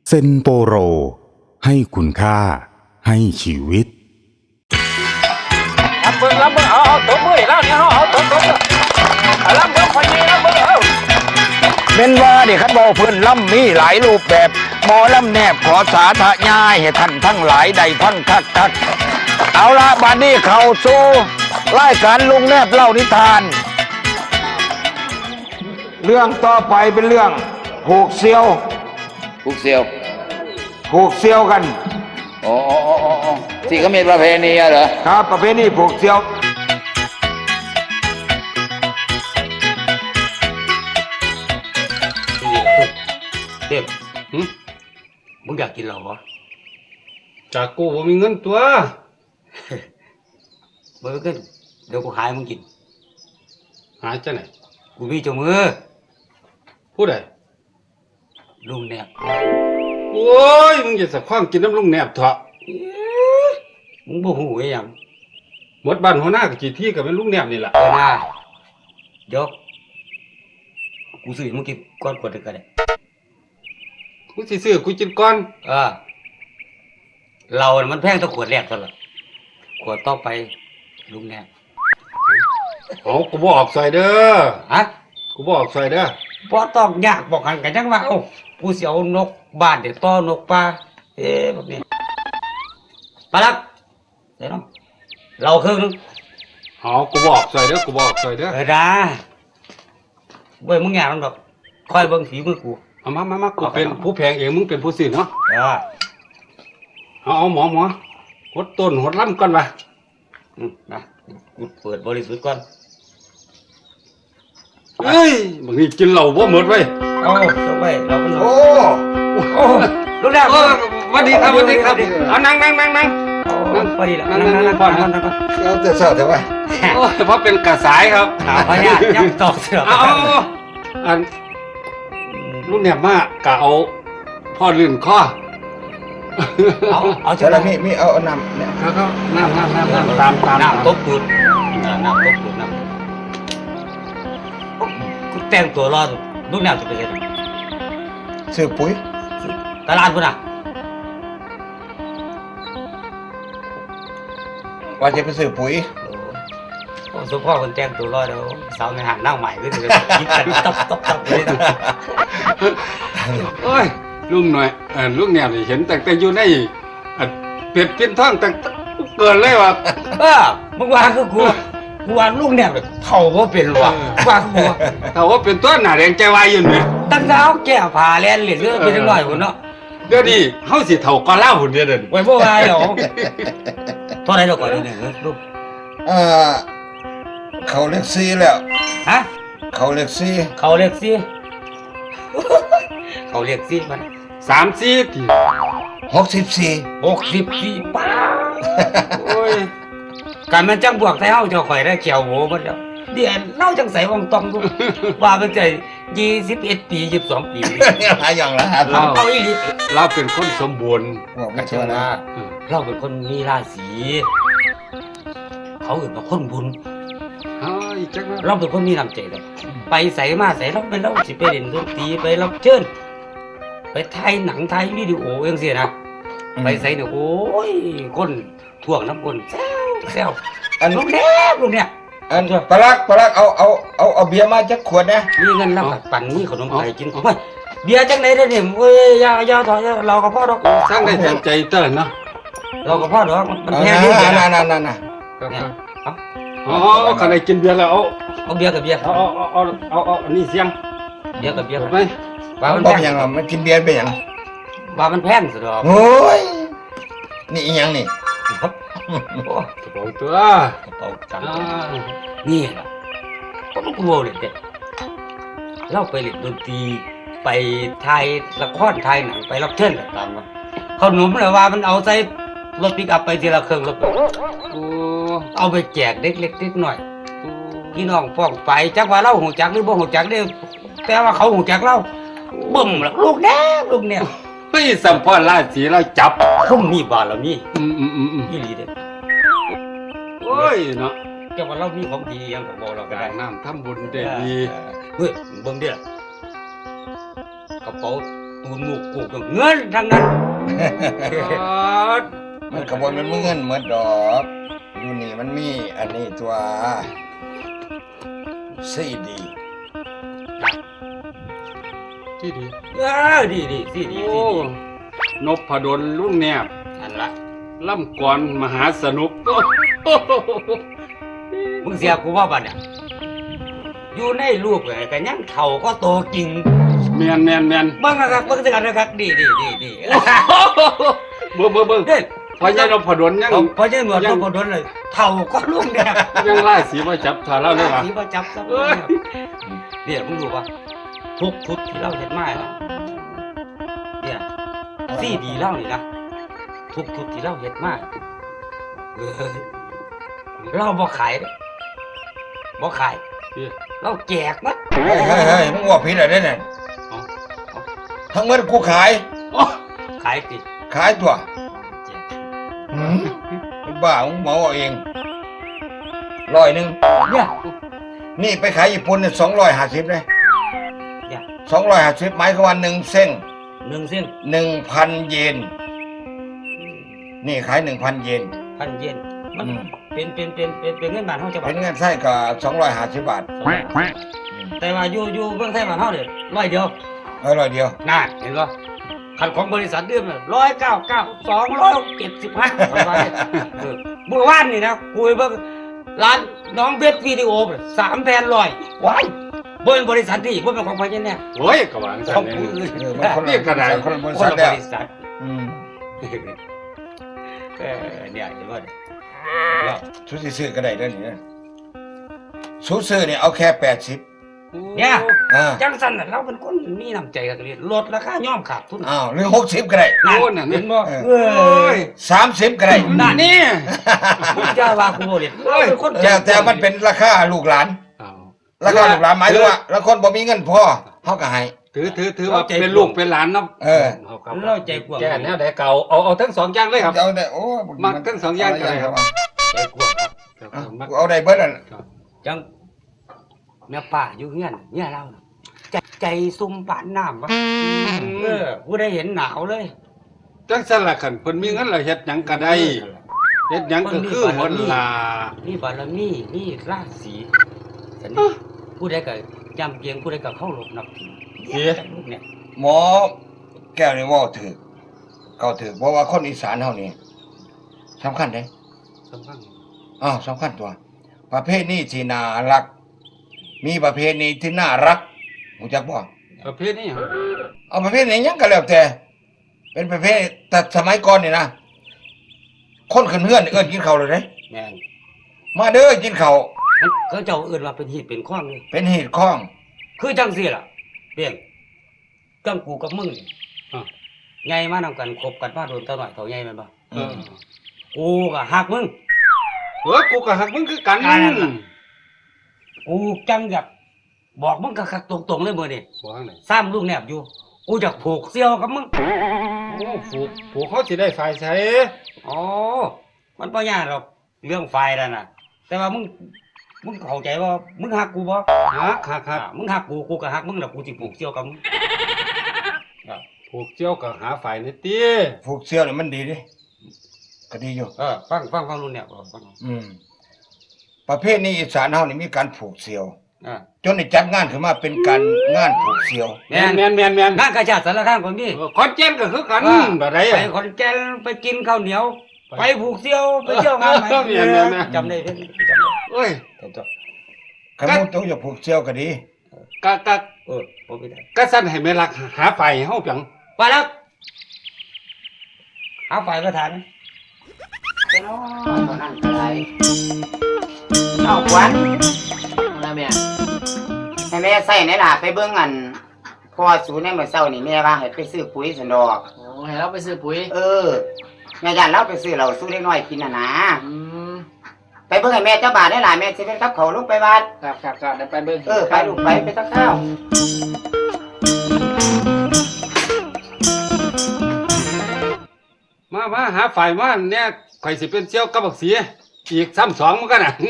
เซนโปโรให้คุณค่าให้ชีวิตรับเบิ่งเอาตัวมือแล้วเนี่ยเอาตัวรับเบิ่งพอดีรับเบิ่งเอาเป็นว่าเด็กขันบ่เพิ่นล่ำมีหลายรูปแบบหมอล่ำแนบขอสาธยายให้ท่านทั้งหลายได้ฟังคักเอาละบัดนี้เข้าสู่รายการลุงแนบเล่านิทานเรื่องต่อไปเป็นเรื่องผูกเซียวกันอ๋อที่เขามีประเพณีเหรอครับประเพณีผูกเซียวเด็กมึงอยากกินเหล้าเหรอจากกูบ่มีเงินตัวบ่มีเงินเดี๋ยวกูหายมึงกินหาจังไหนกูมีเจ้ามือผู้ใดลุงแนบโอ้ยมึงอย่าสะความกินน้ำลุงแนบเถอะมึงบ่ฮู้อีหยังหมดบ้านหัวหน้าก็กี่ที่ก็เป็นลุงแนบนี่แหละนะเดี๋ยวกูซื้อมึงกินก่อนกดก็ได้กูสิซื้อกูกินก่อนเรามันแพงตั้งขวดแรกซะละขวดต่อไปลุงแนบกูบ่ออกใส่เด้อฮะกูบ่ออกใส่เด้อบ่ต้องยากบอกกันจังว่ากูสิเอานกบ้านเดี๋ยวต่อนกป่าแบบนี้ปลักเดี๋ยวน้องเราครึ่งนึงกูบ่ออกใส่เด้อนะเว้ยมึงอย่ามันแบบคอยเบิ่งฝีมือกูมากูเป็นผู้แพงเองมึงเป็นผู้ซื้อเนาะเอาหมอหดต้นหดลำก่อนว่ะนะกูเปิดบริสุทธิ์ก่อนเฮ้ยบางทีกินเหล้าบ่หมดเว้ยจบไปเราเป็นโอ้ลูกแรกสวัสดีครับเอานั่งพอดีแล้วนั่งก่อนเราจะเศร้าแต่ว่าเพราะเป็นกระสายครับพญายักษ์ตอกเสืออันลูกเนี่ยมากกะเอาพ่อลื่นข้อเอาเจ้าละมีเอาน้ำเนี่ยเขาน้ำตามน้ำตบตูดน้ำกูแต่งตัวรอลูกแนวจะไปเลยซื้อปุ๋ยตลาดพุ่นว่าจะไปซื้อปุ๋ยสุพ่อคนแต่งตัวรอเดี๋ยวสาวในห้างนั่งใหม่ก็จะคิดกันต๊บเลยโอ้ยลุงหน่อยลุงเนี่ยเห็นแต่อยู่ในเป็ดเป็นท้องแต่เกินเลยว่ะมึงว่าคือกูว่าลูกเนี่ยเท่าว่าเป็นว่ะว่ากูเท่าว่าเป็นตัวหน้าแดงใจวายอยู่เนี่ยตั้งเท้าแก้ผ่าแลนเหรียญเลือดเป็นหน่อยคนเนาะเดี๋ยวนี้เฮาสิเท่าก้อนเหล้าหุ่นเดียวเดินไว้บ่ว่าหรอกเท่าไรเราก่อนนี่ลูกเขาเล็กซี่แล้วฮะเขาเล็กซี่มัน 34ที 64 ป้าโอ้ยการมันจังบวกไทเฮาเจ้าข่อยได้เขียวโหมันแล้วเดี๋ยวเล่าจังใส่วงตองดูว่ามันใจ21 ปี22 ปีหลายอย่างแล้วเอาอีหลีเราเป็นคนสมบูรณ์ก็เชื่อนะเราเป็นคนมีราศีเขาเป็นคนบุญเราเป็นคนมีน้ำใจเลยไปใส่มาใส่เราเป็นเราสิไปเล่นดนตรีไปรับเชิญไปถ่ายหนังถ่ายวิดีโออย่างเสียนะไปใส่เนี่ยโอ้ยคนท่วงน้ำคนแซวลูกเนี่ยปลักเอาเบียร์มาจักขวดนะมีเงินแล้วปั่นมีขนมไข่กินเฮ้ยเบียร์จังไหนได้เนี่ยเว้ยยาถอยเรากับพ่อดอกสร้างได้แทนใจเต้นเนาะเรากับพ่อดอกมันแพงนิดเดียวนั่นขณะกินเบียร์แล้วเอาเบียร์กับเบียร์เอานี่เสียงเบียร์กับเบียร์ไปว่ามันเป็นยังไงมันกินเบียร์เป็นยังว่ามันแพงสุดหรอโอ้ยนี่อีหยังนี่กระเป๋าตัวกระเป๋าจังนี่แหละก็ต้องกลัวเลยเด็กเราไปเล่นดนตรีไปถ่ายละครถ่ายหนังไปรับเชิญต่างๆมาเขาหนุ่มเลยว่ามันเอาใส่รถปิกอัพไปทีละเครื่องรถเอาไปแจกเด็กเล็กหน่อยพี่น้องฟ้องไปจักว่าเราหูจักหรือบ่หูจักเนี่ยแต่ว่าเขาหูจักเราบึ้มแล้วลูกเนี่ยเฮ้ยสัมพรราศีเราจับเขามีบาลมีอีหลีเด็กโอ้ยเนาะแกว่าเรามีของดียังกับบอกเราก็ได้น้ำทำบุญได้ดีเฮ้ยเบิ่งเด้อกระเป๋าตูนหมูกกูกับเงินทั้งนั้นมันกระบวนมันเงินเหมือนดอกอยู่นี่มันมีอันนี้ตัวซีดีที่ดีดีสิดีโอ้นพดลลุงแนบอันละล่ำกรมหาสนุกมึงเสียกูว่าบัดเนี่ยอยู่ในรูปเลยกันยังเท่าก็โตจริงแมนเบิ่งนะครับเบิ่งสิกันนะครับดีเบิ่งเฮ้ยพญานพดลยังพอเจอหนวดต้องกดโดนเลยเท่าก็ลุงเนี่ยยังไล่สีมาจับถ่าเราเลยว่ะสีประจับซะเนี่ยมึงรู้ป่ะทุกชุดที่เราเห็นมาแล้วเนี่ยซีดีเล่านี่นะทุกชุดที่เราเห็นมาเราบ่ขายเด้บ่ขายเราแจกมั้ยเฮ้ยมึงว่าผิดอะไรเนี่ยทั้งหมดกูขายขายติดขายตัวแจกมึงบ้ามึงเหมาเอาเอง100นึงเนี่ยนี่ไปขายญี่ปุ่นเนี่ย250เลยเนี่ย 250หมายความว่า1เส้น 1 เส้น 1,000 เยนนี่ขาย 1,000 เยน 1,000 เยนมันอืมเป็นเงินบาทเฮาจะบาเป็ทนเงินไส้ก็250 บาทแต่ว่าอยู่เมืองไทยบ้านเฮาเนี่ย100 เดียว 100เดียวน่าเห็นป่ะคันของบริษัทเดิมเนี่ย199 275ประมาณนี้เมื่อวานนี่นะกูไปเบิ่งร้านน้องเบสวิดีโอ3 แผ่น100ว้ายบ่เป็นบริษัทนี่บ่เป็นของพญาแน่โอ้ยกระหว่างขสัอน งเนี่ยผู้อื่นมันคนนี่กระดาษคนละบริคนษัทละแล้วบริษัทอืมเนี่ยเห็นป่ะเนี่ยชุดที่ซื้อก็ได้เด้อนี่นะชุดซื้อเนี่ยเอาแค่80 เนี่ยอ่าจังสันน่ะเราเป็นคนมีน้ำใจกันเลยลดราคาย่อมขาดทุนอ้าวหรือ60ก็ได้นั่นโอ้น่ะเห็นบ่เออเอ้ย 30ก็ได้นั่นนี่มึงจะว่ากูบ่เล่นเราเป็นคนแต่มันเป็นราคาลูกหลานเอาราคาลูกหลานหมายถึงว่าแล้วคนบ่มีเงินพอเฮาก็ให้ถือว่าเป็นลูกเป็นหลานเนาะเออเราใจกว้างแก่แนวไหนเก่าเอาทั้งสองอย่างเลยครับเอาได้โอ้มักทั้งสองอย่างก็ได้ครับใจกว้างครับอ่ะกูเอาได้เบิดนั่นจังแม่ป้าอยู่เฮียนเนี่ยเราน่ะใจซุ่มปานน้ำวะกูได้เห็นหนาวเลยจังซั่นล่ะคันเพิ่นมีเงินแล้วเฮ็ดหยังก็ได้เฮ็ดหยังก็คือหนลานี่บารมีนี่ราศีสันนี่ผู้ใดก็จำเกียงผู้ใดก็เข้ารบนับถือเนี่ยหมอแก้วนี่เว้าถูกเก่าถูกเพราะว่าคนอีสานเฮานี่สำคัญเด้สำคัญสำคัญตัว ประเภทนี้ที่น่ารัก มีประเภทนี้ที่น่ารักรู้จักบ่ประเภทนี้ครับเอาประเภทไหนยังก็แล้วแต่ เป็นประเภทแต่สมัยก่อนนี่นะคนขึ้นเฮือนเอิ้นกินข้าวเลยเด้แม่นมาเด้อกินข้าวมันก็เจ้าเอื่นว่าเป็นหีดเป็นข้องเลยเป็นเหตุข้องคือจังสี่ล่ะเปลี่ยนจังกูกับมึงนี่อ่ะไงมานำกันคบกันมาโดนเท่าหน่อยเท่าไงแม่นบ่เออกูก็หักมึงกูก็หักมึงคือกันกูจังอยากบอกมึงคักๆตรงๆเลยมื้อนี้บอกข้างไหนซ้ำลูกแนบอยู่ กูอยากผูกเสี่ยวกับมึงโอ้ผูกเขาสิได้ฝ่ายใช้อ๋อ มันบ่ยากหรอกเรื่องไฟนั่นน่ะ แต่ว่ามึงเข้าใจว่ามึงหักกูบ่หักมึงหักกูก็หักมึงแล้วกูสิผูกเสี่ยวกับมึงผูกเจียวกับหาฝ่ายนี่ติผูกเสื้อนี่มันดีเดิก็ดีอยู่ฟังนู่นเนี่ยฟังประเภทนี้อีสานเฮานี่มีการผูกเสี่ยวอ่าจนได้จัดงานขึ้นมาเป็นการงานผูกเสี่ยวแม่นงานกระชาติสารคามก็มีคอนเจนก็คือกันอ่าบ่ได้ไปขอนแก่นไปกินข้าวเหนียว ไปผูกเสี่ยวไปเที่ยวงานไหนแม่นจำได้เพิ่นจำได้เอ้ยคันมูตัวจะผูกเสี่ยวก็ดีกะผมไม่ได้กะสั่นให้แม่รักหาฝ่ายเฮาเปียงไปแล้วหาฝ่ายประธานเป็นน้อยตอนนั้นอะไรเอาขวัญนะแม่ให้แม่ใส่ในล่ะไปเบิ่งอันพอสูในเมื่อเช้านี่แม่ว่าให้ไปซื้อปุ๋ยสันดอกโอ้ให้เราไปซื้อปุ๋ยแม่ย่านเราไปซื้อเราสู้เล็กน้อยกินน่ะนะอืมไปเบิ่งให้แม่เจ้าบาทได้ล่ะแม่สิเป็นกับเขาวลูกไปวัดครับเดี๋ยวไปเบิ่งไปลูกไปตักข้าวมาหาฝ่ายมาเนี่ยข่อยสิเป็นเจียวกับบักเสียอีกซ้ำสองมันก็น่ะ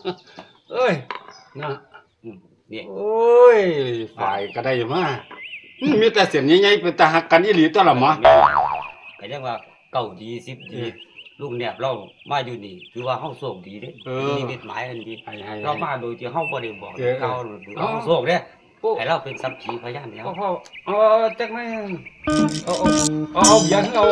เอ้ยนะนี่โอ้ยฝ่ายก็ได้มามีแต่เสียนใหญ่ๆเป็นตาหักกันอีหลีตัวละหมอก็ยังว่าเก่าดี10ดีลูกแนบเรามาอยู่นี่ถือว่าเฮาโชคดีเด้มีมิตหมายอันดีให้ๆเรามาโดยที่เฮาบ่ได้บอกเออเขาเฮาโชคเด้ให้เราเป็นสักขีพยานแล้วพ่อจักไหมเอาเบียร์เอา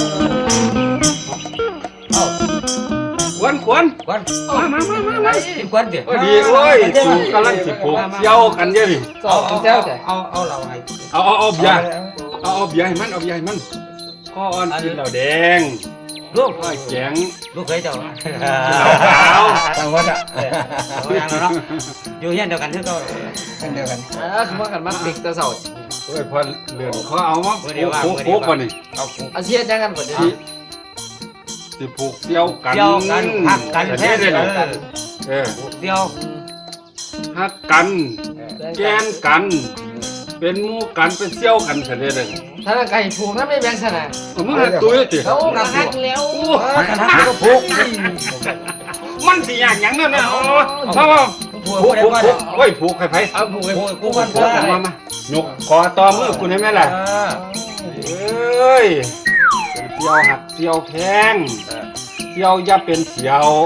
ขวนกวนมากวนเด้อดีโอ้ยสูงกำลังสิผูกเกี่ยวกันเยอะดิสองเจ้าแต่เอาเราให้เอาเบียร์เอาเบียร์ให้มันเอาเบียร์ให้มันข้ออ่อนกินเหล้าแดงลูกข้อแข็งลูกเคยเจ้าเหล้าขาวต่างวัดอ่ะเอาอย่างนั้นเนาะอยู่เฮียนเดียวกันคือเก่าเดียวกันคือว่ากันมักเด็กแตะเสาเอ้ยพอเลือนเขาเอามาผูกก่อนนี่เอาผูกอาเชียจังกันบ่ได้สิผูกเสี่ยวกันเกี่ยวกันหักกันแท้ได้เลยผูกเดียวหักกันแกนกัน เป็นหมู่กันเป็นเสี่ยวกันเสร็จเลยถ้าไก่ผูกถ้าไม่แบ่งสนะมึงหักตุ้ยติเขากระหักแล้วกันหักก็ผูกมันสิอย่างหยังนั่นน่ะอ๋อผูกโอ้ยผูกไผเอาผูกให้กูกันผูกมายกคอต่อมือกูได้ไหมล่ะเอ้ยเป็นเสี่ยวหักเสี่ยวแพงเสี่ยวอย่าเป็นเสี่ยว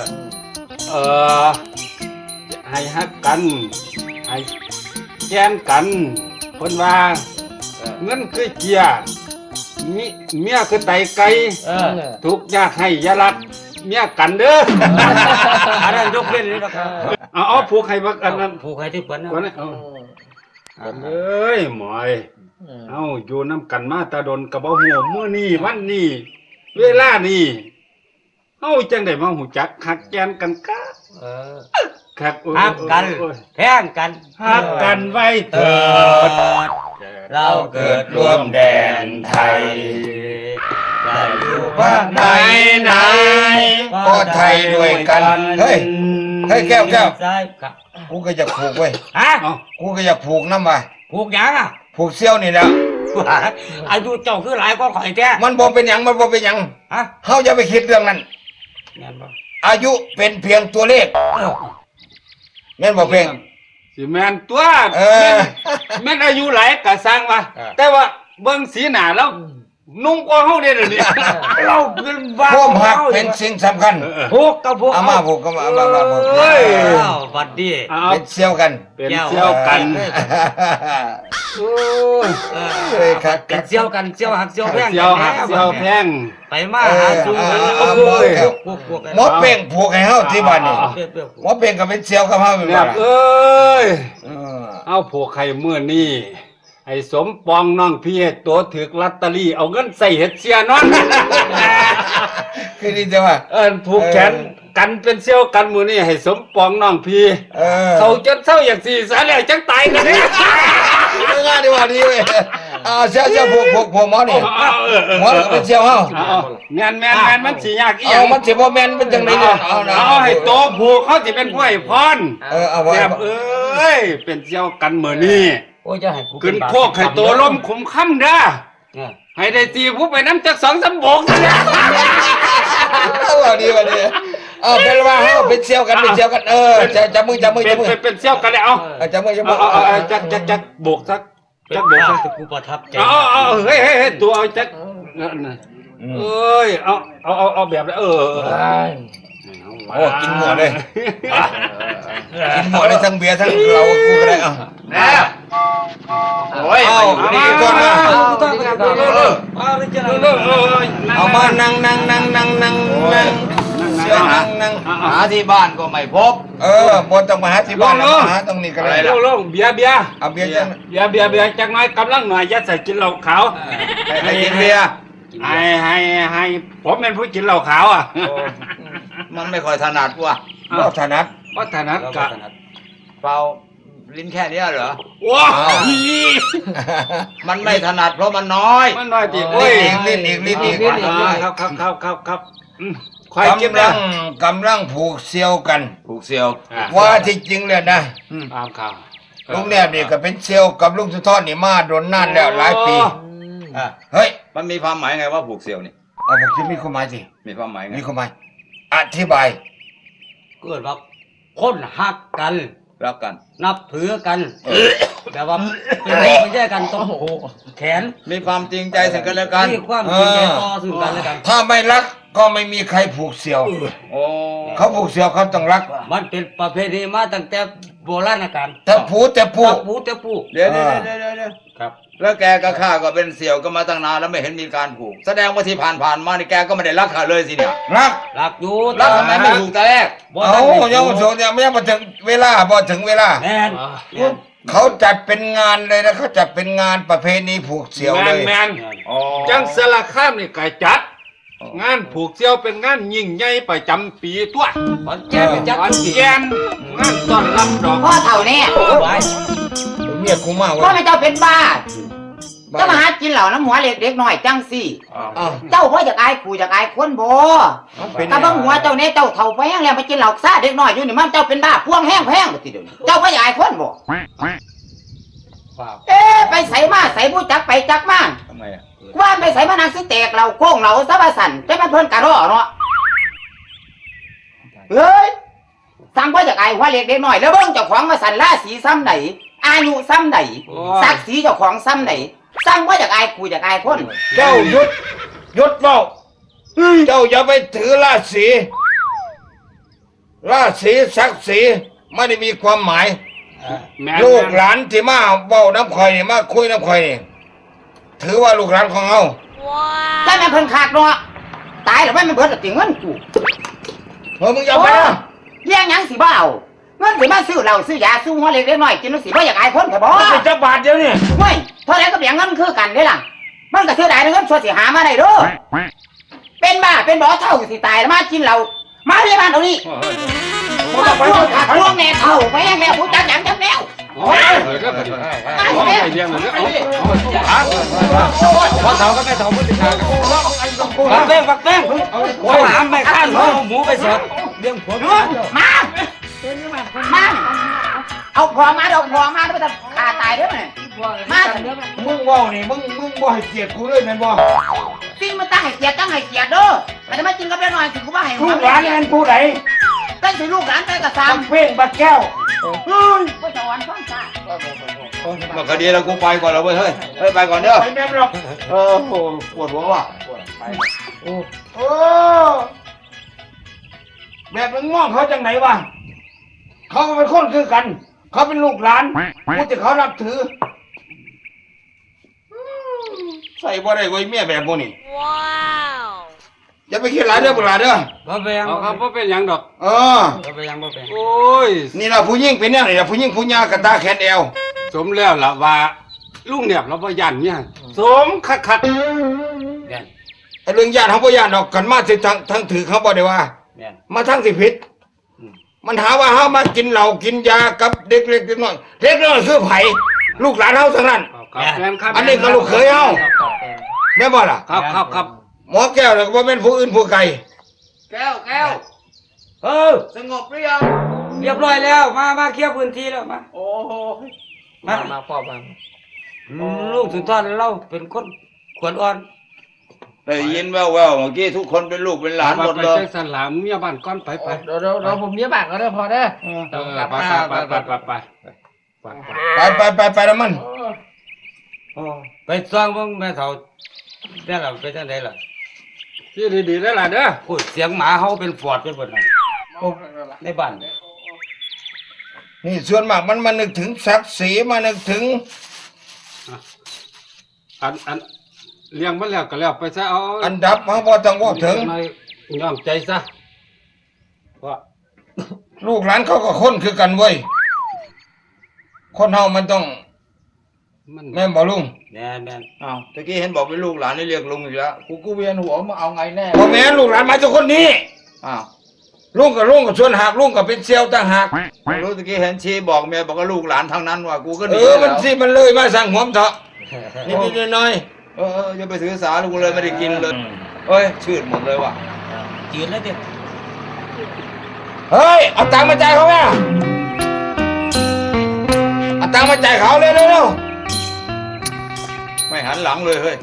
ให้ฮักกันให้แกนกันคนว่าเงินคือเกียร์เมียคือไตไก่ทุกยากให้อยาลักเมียกันเด้ออันนั้นยกเว้นเลยนะครับเอาผูกให้บักอันนั้นผูกให้ที่เปิ้นนะก่อนนะเอ้ยหมอยเอาอยู่น้ำกันมาตาดนกับบ่ฮู้มื้อนี้วันนี้เวลานี้เฮาจังได้มาฮู้จักฮักแกนกันกะครับหักกันแพงกันฮักกันไว้เถิดเราเกิดร่วมแดนไทยได้อยู่ว่าไหนไหนก็ไทยด้วยกันเฮ้ยแก้วซ้ายครับกูก็อยากผูกเว้ยฮะกูก็อยากผูกน้ำว่ะผูกหยังอ่ะผูกเซี่ยวนี่แหละอายุเจ้าคือหลายกว่าข่อยแท้มันบ่เป็นหยังฮะเฮาอย่าไปคิดเรื่องนั้นแม่นบ่อายุเป็นเพียงตัวเลขแม่นบ่เพียงสิแม่นตัวอแม่นอายุหลายก็สร้างว่าแต่ว่าเบิ่งสีหน้าแล้วนุ่งกว่าเฮาเด้อนี่เราเป็นบ้าความหักเป็นสิ่งสำคัญผูกกับผูกเอามาผูกก็มาผูกเอ้ยอ้าวบัดนี้เอาเป็นเซี่ยวกันเป็นเสี่ยวกันโอ้ยเฮ้ยครับเป็นเซี่ยวกันเซี่ยวหักเซี่ยวแพงเสี่ยวหักเสี่ยวแพงไปมาหาสู่กัน ผูกกันหมอเป่งผูกให้เฮาที่บ้านนี่เปรี้ยวหมอเป่งก็เป็นเซี่ยวกับเฮาเป็นแบบ่บล่ะเอ้ยเออเอาผูกไข่มื้อนี้ให้สมปองน้องพี่ตัวถึกลอตเตอรี่เอาเงินใส่เฮ็ดเสียนอนคือดีจังว่าผูกแขนกันเป็นเซี่ยวกันมื้อนี้ให้สมปองน้องพี่ เขาจนเศร้าอย่างสี่สาแล้วจังตายกันเนี่ยงานดีว่าดีเว้ยเซี่ยวผูกหมอนี่หมอก็เป็นเซี่ยวเฮาแม่นมันสิยากอีหยัเอางมันสิบ่แม่นเป็นจังได๋เนี่ยเอานะเอาให้โตผูกเขาสิเป็นผู้ให้พรเอาไว้แบบเอ้ยเป็นเซี่ยวกันมื้อนี้โอ้ยจะให้กูขึ้นโคกให้โตล้มขุมค่ำเด้อให้ได้ตีผู้ไปน้ำจัก2-3โบกซะเนี่ยว่าดีเป็นว่าเฮาเป็นเซี่ยวกันจับมือเป็นเซี่ยวกันเลยเอาจับมือจักโบกสักจักโบกกูประทับใจเอาเฮ้ยตัวเอาจักเอ้ยเอาแบบโอ้กินหมดเลยกินหมดเลยทั้งเบียร์ทั้งเรากูก็ได้เอาโอ้ยดีก่อนนะเอามานั่งเซี่ยวนั่งหาที่บ้านก็ไม่พบบนต้องมาหาที่บ้านหาตรงนี้ก็ได้ลงเบียร์เอาเบียร์จังเบียร์จักน้อยกำลังหน่อยยัดใส่กินเหล้าขาวให้กินเบียร์ให้ผมเป็นผู้กินเหล้าขาวอ่ะมันไม่ค่อยถนัดว่ะบ่ถนัดวัฒนกะเปล่าลิ้นแค่เนี้ยเหรอว้ามันไม่ถนัดเพราะมันน้อยมันน้อยจีโอ้ยลิ้นอีกครับควายกินกำลังผูกเซี่ยวกันผูกเซียวว่าที่จริงเลยนะตามข่าวลุงแนบนี่ก็เป็นเซี่ยวกับลุงสุทรนี่มาโดนนานแล้วหลายปีเฮ้ยมันมีความหมายไงว่าผูกเซียวนี่เอาผมจะมีความหมายสิมีความหมายไงมีความหมายอธิบายเกิดว่าคนหักกันรักกันนับถือกันแบบว่าเป็นพ่อเป็นแยกกันต้องแขนมีความจริงใจซึ่งกันและกันมีความจริงใจต่อซึ่งกันและกันถ้าไม่รักก็ไม่มีใครผูกเสี่ยวโอ้เขาผูกเสี่ยวเขาต้องรักมันเป็นประเพณีมาตั้งแต่โบราณกาลแต่ผูแต่ผูจับปูแต่ปูเดี๋ยวครับแล้วแกกับข้าก็เป็นเสี่ยวกันมาตั้งนานแล้วไม่เห็นมีการผูก แสดงว่าที่ผ่านมานี่แกก็ไม่ได้รักข้าเลยสิเนี่ยรักรักอยู่รักทำไมไม่ผูกแต่แรกบ่เอาทันได้ยังไม่ถึงยังไม่ถึงเวลาบ่ถึงเวลาแม่นเขาจัดเป็นงานเลยนะเขาจัดเป็นงานประเพณีผูกเสี่ยวแมเลนยแมนอ๋อจังสารคามนี่ไก่จัด งานผูกเสี่ยวเป็นงานยิ่งใหญ่ประจำปีตัวขอนแก่นเป็นจัดวันทุกปีแกนงานต้อนรับดอกพ่อเท่านี้ไว้เมียกูมากเว้พ่อย ไม่เจ้าเป็นบ้าเจ้ามาหากินเหล่าน้ำหัวเล็กเด็กน้อยจังสิอ้าวเจ้าพ่อจากอายกูจากอายคนบ่เป็นกะบังหัวเจ้าเนี่ยเจ้าเท่าไปแห้งแล้วมากินเหล่าซ่าเด็กน้อยอยู่นี่มันเจ้าเป็นบ้าพวงแห้งแพงทีเดียวนี้เจ้าพ่อจากอายคนบ่ ไปใส่มาใส่ผู้จักไปจักมาทำไมอ่ะว่าไปใส่มานังสิแตกเราโค้งเราซะว่าสั่นจะมาเพิ่นกะรอเนาะเฮ้ยสั่งพ่อจากอายหัวเล็กเด็กน้อยแล้วเบิ่งเจ้าของมาสั่นราศีซ้ำไหนอายุซ้ำไหนศักดิ์ศรีเจ้าของซ้ำไหนสั่งพ่อจากอายกูจากอายคนเจ้าหยุดเฝ้าเจ้าอย่าไปถือราศีศักดิ์ศรีไม่ได้มีความหมายแม่นลูกหลานที่มาเว้าน้ำข่อยนี่มาคุยน้ำข่อยนี่ถือว่าลูกหลานของเฮาแต่แม่นเพิ่นขาดเนาะตายแล้วไม่เบิดแล้วติเงินกูมึงอย่าไปนะเลี้ยงหยังสิบ่เอาเงินสิมาซื้อเหล้าซื้อยาซื้อหัวเล็กเด็กน้อยกินแล้วสิบ่อยากอายคนแค่บ่มันเป็นเจ้าบาทเดียวนี่เฮ้ยเท่าไหร่ก็เลี้ยงเงินคือกันเด้ล่ะมันก็เสียดายเงินส่วนสิหามาได้เด้อเป็นบ้าเป็นบ่อเท่าสิตายแล้วมากินเหล้ามาที่บ้านเอานี่มาพวกขาดพวกแน่เท่าไปแห้งแล้วผู้จักหยังจังแล้วโอ้ยเออก็พอดีเอาไปเลี้ยงมันก็เอาพอเฒ่าก็ไม่เฒ่ามือติดขาบักแป้งเขาหามไม่ข้านเขาเอาหมูไปเสิร์ฟเลี้ยงผัวมาเอาพอมาเอาพอมาแล้วจะขาตายเด้อมาเถอะมึงเว้านี่มึงบ่ให้เกียรติกูเลยแม่นบ่สิ่งมันตั้งให้เกียรติเด้อมันจะมากินกับเด็กน้อยสิกูว่าให้ลูกหลานนั่นผู้ใดตั้งสิลูกหลานไปกับสามเพ่งบักแก้วก็จะวันฟังซ่ามาคดีแล้วกูไปก่อนแล้วเว้ยเฮ้ยไปก่อนเด้อไปแม่นหรอกโอ้โหปวดหัวว่ะโอ้แบบมึงมองเขาจังไหนวะเขาก็เป็นคนคือกัน เขาเป็นลูกหลานกูจะเขานับถือใส่บ่ได้ไว้เมียแบบพวกนี้อย่าไปคิดหลายเด้อบุหลาเด้อบ่ไปยังเอาครับว่าเป็นหยังดอกเออบ่ไปยังบ่ไปโอ้ยนี่ล่ะผู้หญิงเป็นแนวนี่ล่ะผู้หญิงผู้หญากระตาแขนแอวสมแล้วล่ะว่าลุงเนี่ยเราบ่ยันเนี่ยสมคักแม่นไอ้เรื่องญาติเขาบ่ญาติดอกกันมาสิทั้งถือเขาบ่ได้ว่าแม่นมาทั้งสิผิด มันหาว่าเฮามากินเหล้ากินยากับเด็กเล็กเด็กน้อยเด็กน้อยคือไผลูกหลานเฮาทั้งนั้นๆครับแม่นครับอันนี้ก็ลูกเขยเฮาแม่นบ่ล่ะครับหมอแก้วน่ะก็บ่แม่นผู้อื่นผู้ไกลแก้วเออสงบหรือยังเรียบร้อยแล้วมาเคลียร์พื้นที่แล้วมาโอ้โหมาพ่อมาลูกสุนทรเราเป็นคนขวัญอ่อนได้ยินแว่วๆเมื่อกี้ทุกคนเป็นลูกเป็นหลานหมดไปเลยใจสลามเมียบ้านก้อนไปเดี๋ยวผมเมียบ้านก็ได้พอได้เออไปไปแล้วมันไปซ่องเบิ่งแม่เฒ่าได้ล่ะไปจังไดล่ะที่ดีๆได้ล่ะเด้อโอ้ยเสียงหมาเฮาเป็นฟอดเป็นเบิดน่ะในบ้านนี่ส่วนมากมันมานึกถึงศักดิ์ศรีมานึกถึงอันเลี้ยงมันแล้วก็แล้วไปซะเอาอันดับเฮาบ่ต้องเว้าถึงยอมใจซะว่าลูกหลานเขาก็คนคือกันเว้ยคนเฮามันต้องมันแม่นบ่ลุงแม่นอ้าวตะกี้เห็นบอกเป็นลูกหลานนี่เรียกลุงอีกแล้วกูเวียนหัวมาเอาไงแน่บ่แม่นลูกหลานมาจากคนนี้อ้าวลุงก็ชวนหากลุงก็เป็นเซียวต่างหากไม่รู้ตะกี้เห็นชี้บอกเมียบอกว่าลูกหลานทั้งนั้นว่ะกูก็หนีมันแล้วสิมันเลยมาสั่งหัวมเถาะนิดๆหน่อยอย่าไปถือสาลูกเลยไม่ได้กินเลยเอ้ยชืดหมดเลยว่ะจืดแล้วเด้เฮ้ยเอาตังค์มาจ่ายเขาแม่เอาตังค์มาจ่ายเขาเร็วไม่หันหลังเลยเฮ้ย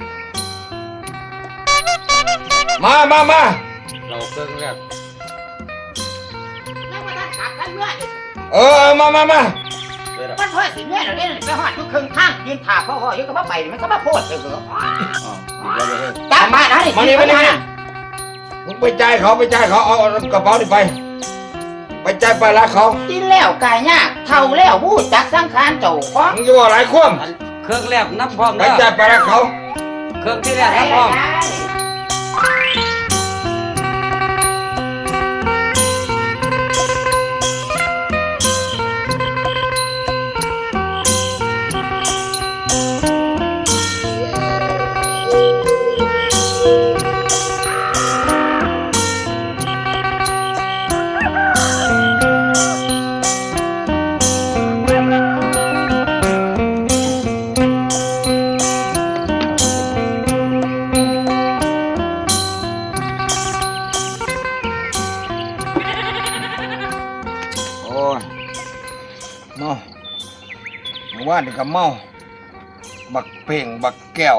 ๆมาเราเบิ่งแล้วแล้วมาทักขับกันด้วยมาเด้อมันพ่อสิเนี่ยเดี๋ยวนี้ไปหอดทุกครึ่งข้างยืนถาพ่ออยู่กับพ่อไปมันก็มาโพดเลยจับมานะนี่สิไปนะมึงไปจ่ายเขาเอากระเป๋านี่ไปจ่ายไปละเขากินแล้วกายยากเท่าแล้วบู้จักสังขารเจ้าของมึงจะบอกหลายควมเครื่องแรกน้ำพร้อมไปเด้อจ่ายไปละเขาเครื่องที่แรกน้ำพร้อมโอ้ยเมาเมื่อวานนี่ก็เมาบักเพ่งบักแก้ว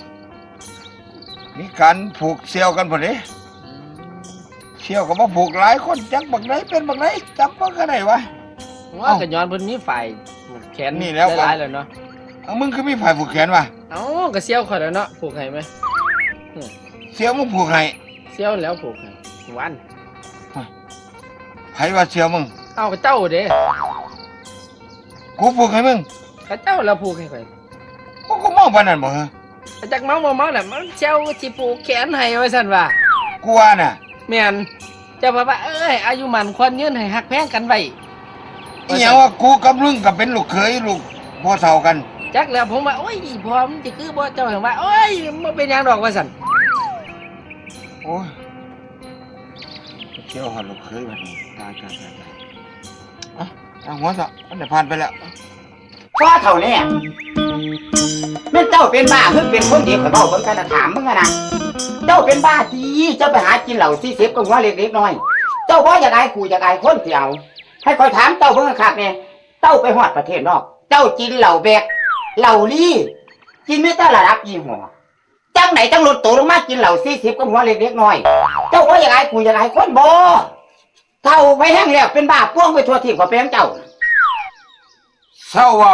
มีการผูกเสี่ยวกันพอดีเสี่ยวก็มาผูกหลายคนจักบักไหนเป็นบักไหนจับบักไหนวะว่ากันย้อนเพิ่นมีฝ่ายแขนนี่แล้วหลายๆแล้วเนาะเอามึงคือมีไผ่ผูกแขนวะเอ้าก็เซี่ยวข่อยแล้วเนาะผูกให้ไหมเสี่ยวมึงผูกให้เซี่ยวแล้วผูกให้วันไผ่ว่าเสี่ยวมึงเอ้าก็เจ้าเด้กูผูกให้มึงก็เจ้าแล้วผูกให้ข่อยกูเมาปานนั้นบ่เหรอก็จักเมาบ่เมาแหละมันเซี่ยวสิผูกแขนให้ว่าซั่นว่ากูว่าน่ะแม่นเจ้าว่าเอ้ยอายุมันควรยืนให้ฮักแพงกันไว้อีหยังว่ากูกับมึงก็เป็นลูกเขยลูกพ่อเฒ่ากันจักแล้วผมว่าโอ้ยพอมันจะคือบ่เจ้าเห็นว่าโอ้ยบ่เป็นหยังดอกว่าซั่นโอ้ยเสี่ยวหาลูกเขยบัดนี้ตายเอาหัวซะมันได้ผ่านไปแล้วพ่อเท่านี้แม่เจ้าเป็นบ้าคือเป็นคนดีข่อยเว้าเบิ่งกันถามมึงนะเจ้าเป็นบ้าดีเจ้าไปหากินเหล้า40กับหัวเล็กๆน้อยเจ้าบ่อยากอายกูอยากอายคนที่เอาให้ข่อยถามเจ้าเบิ่งคักแน่เจ้าไปฮอดประเทศนอกเจ้ากินเหล้าแบกเหล้าลี่กินไม่แต่ระดับยี่ห้อจังไหนจังลดตัวลงมากินเหล้า40กับหัวเล็กๆน้อยเจ้าบ่อยากอายกูอยากอายคนบ่เท่าไปแห้งแล้วเป็นบ้าพ่วงไปทั่วทิพย์กว่าเป็นเจ้าเศร้าเว้า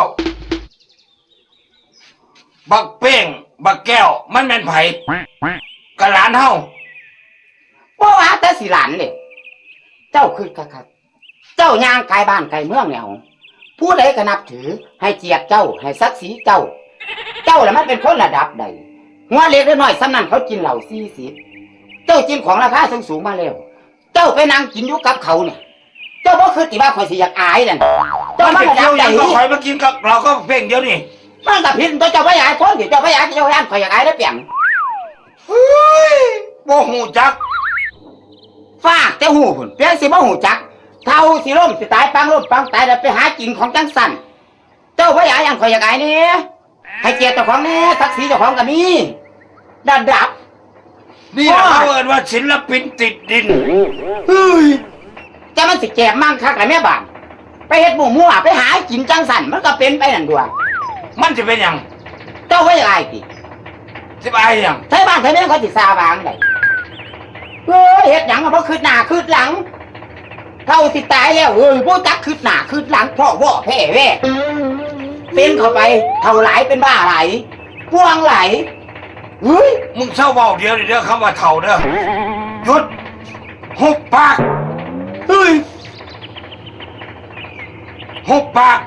บักเป้งบักแก้วมันแม่นไผกะหลานเฮาบ่ว่าแต่สิหลานเลยเจ้าคือคักๆเจ้าย่างกายบ้านกายเมืองแล้วผู้ใดก็นับถือให้เกียรติเจ้าให้ศักดิ์ศรีเจ้า เจ้าล่ะมันเป็นคนระดับใดหัวเล็กน้อยๆสำนั้นเขากินเหล้า40เจ้ากินของราคาสูงๆมาแล้วเจ้าไปนั่งกินอยู่กับเขาเนี่ยเจ้าบ่คือติว่าข่อยสิอยากอายนั่นเจ้ามัมัน นจะระดัเกี่ยบวหใดยังก็ข่อยมากินกับเราก็เพ่งเดียวนี่มันก็ผิดตัวเจ้าบ่อยากคนที่เจ้าบ่อยากเจ้าย่านข่อยอยากอายได้เปลี่ยนเฮ้ยบ่ฮู้จักฟากแต่หูพุ่นเพียงสิบ่หูจักเท่าสิล่มสิตายปังล่มปังตายแล้วไปหากินของจังสั่นเจ้าบ่อยากอย่างข่อยอยากอายนี่ให้เกียรติเจ้าของนี่ศักดิ์ศรีเจ้าของก็มีระดับนี่ล่ะเขาเอิ้นว่าศิลปินติดดินเฮ้ยจะมันสิแจกมั่งคักละแม่บ้านไปเฮ็ดหมู่มั่วไปหากินจังสั่นมันก็เป็นไปนั่นดวงมันจะเป็นหยังเจ้าบ่อยากอายติสิไปอายหยังไทบ้านไทเมืองเขาสิซาบางได้เฮ้ยเฮ็ดหยังก็บ่คืดหน้าคืดหลังเท่าสิตายแล้วเอ้ยบ่จักคืดหน้าคืดหลังเพราะว่าแพ้แว่เป็นเข้าไปเท่าหลายเป็นบ้าหลายพ่วงไหลเฮ้ยมึงเศร้าเว้าเดียวนี่เด้อคำว่าเฒ่าเด้อหยุดหุบปากเฮ้ยหุบปาก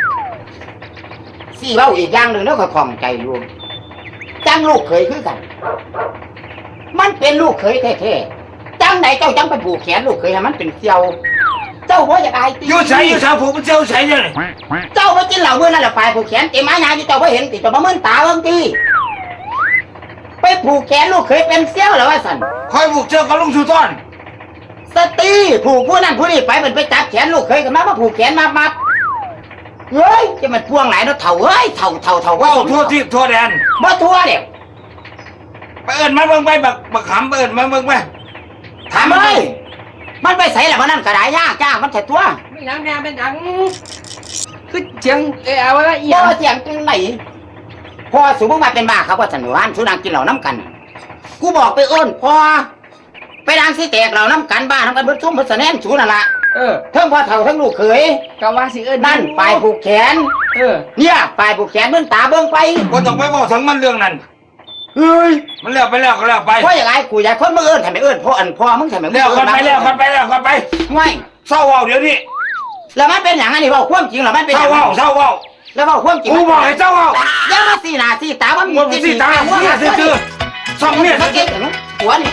สี่เว้าอีกอย่างหนึ่งแล้วก็คล่องใจรวมจังลูกเขยคือกัน มันเป็นลูกเขยแท้ๆจังไหนเจ้าจังไปผูกแขนลูกเขยให้มันเป็นเสี่ยว เจ้าว่าอยากอายตีอยู่ใส่อยู่ใส่ผูกมันเจ้าใส่เนี่ยเจ้าไปกินเหล้าเมื่อนั่นแหละฝ่ายผูกแขนเต็มไม้นาอยู่เจ้าไปเห็นติดตัวมาเมื่อตาเบิ่งตีไปผูกแขนลูกเขยเป็นเสี่ยวแล้วว่าสันคอยผูกเจ้ากับลุงสุต้อนสตีผูกผู้นั้นผู้นี้ไปมันไปจับแขนลูกเขยกันมาผูกแขนมาเฮ้ยจะมันพ่วงไหนเนาะเถ่าเฮ้ยเถ่าว่าเว้าทั่วทิศทั่วแดนบ่ทั่วเนี่ยไปเอิ้นมันเบิ่งไปบักขำไปเอิ้นมันเบิ่งไปถามเลยมันไปใส่แล้วมันนั่นกระไดยากจ้ามันแค่ตัวเป็นหยังแม่เป็นหยังคือเสียงเอาไว้อีหบ่ยังเสียงจังไหนพอสูบมาเป็นบ้าครับว่าสันวานสูนางกินเหล้าน้ำกัน กูบอกไปเอิ้นพอไปนางสิแตกเหล้าน้ำกันบ้าน้ำกันเบิดซุ่มเบิดสะแนนสูนั่นละทั้งพ่อเฒ่าทั้งลูกเขยก็ว่าสิเอิ้นนั่นปลายผูกแขน เนี่ยปลายผูกแขนเบิ่งตาเบิ่งไปก็ต้องไปบอกถึงมันเรื่องนั้นเฮ้ยมันแล้วไปแล้วก็แล้วไปเพราะอย่างไรกูอยากคนมาเอิ้นทำไมเอิ้นพ่อมึงทำไมมึงแล้วกันไปแล้วกันไปแล้วกันไปไม่เศร้าเว้าเดี๋ยวนี้แล้วมันเป็นอย่างนั้นนี่เว้าความจริงเหรอมันเป็นเศอร้าย่างเว้าเศร้าเว้าแล้วเว้าความจริงกูบอกให้เศร้าเว้าอย่ามาสีหน้าสีตามันมึงสิตาเนี่ยซื่อๆซ่อมเนี่ยสังเกตเห็นไหมหัวนี่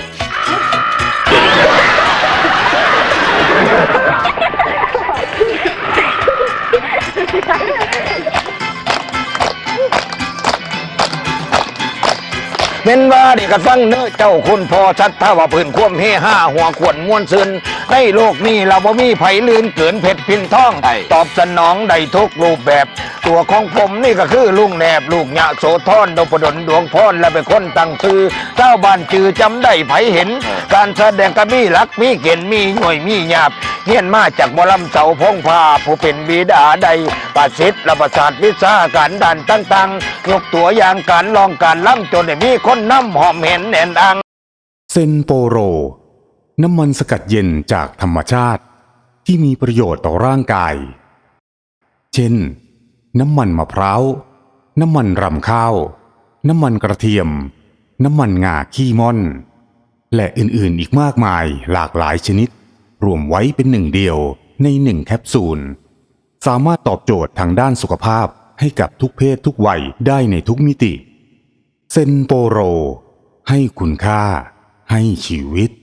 เป็นว่าเด็กกระฟังเนื้อเจ้าคุณพอชัดถ้าว่าพื้นคว่ำเฮห้าหัวขวนม้วนซึนในโลกนี้เราบ่มีไผลื่นเกินเพชรพินท่องตอบสนองได้ทุกรูปแบบ ตัวของผมนี่ก็คือลุงแนบลูกหยะโสธรดปดลดวงพรและเป็นคนตั้งชื่อเจ้าบ้านจือจำได้ไผเห็น การแสดงก็มีหลักมีเกณฑ์มีหน่วยมีหยาบเฮียนมาจากหมอลำเสาพงพาผู้เป็นบิดาใดประสิทธิ์และประสาทวิชาการด่านต่างๆยกตัวอย่างการลองการล่ำจนได้มีคนนำหอมเห็นแน่นอังเซนโปโร น้ำมันสกัดเย็นจากธรรมชาติที่มีประโยชน์ต่อร่างกาย เช่น น้ำมันมะพร้าว น้ำมันรำข้าว น้ำมันกระเทียม น้ำมันงาขี้ม่อน และอื่นๆอีกมากมายหลากหลายชนิด รวมไว้เป็นหนึ่งเดียวในหนึ่งแคปซูล สามารถตอบโจทย์ทางด้านสุขภาพให้กับทุกเพศทุกวัยได้ในทุกมิติ เซนโปโร ให้คุณค่าให้ชีวิต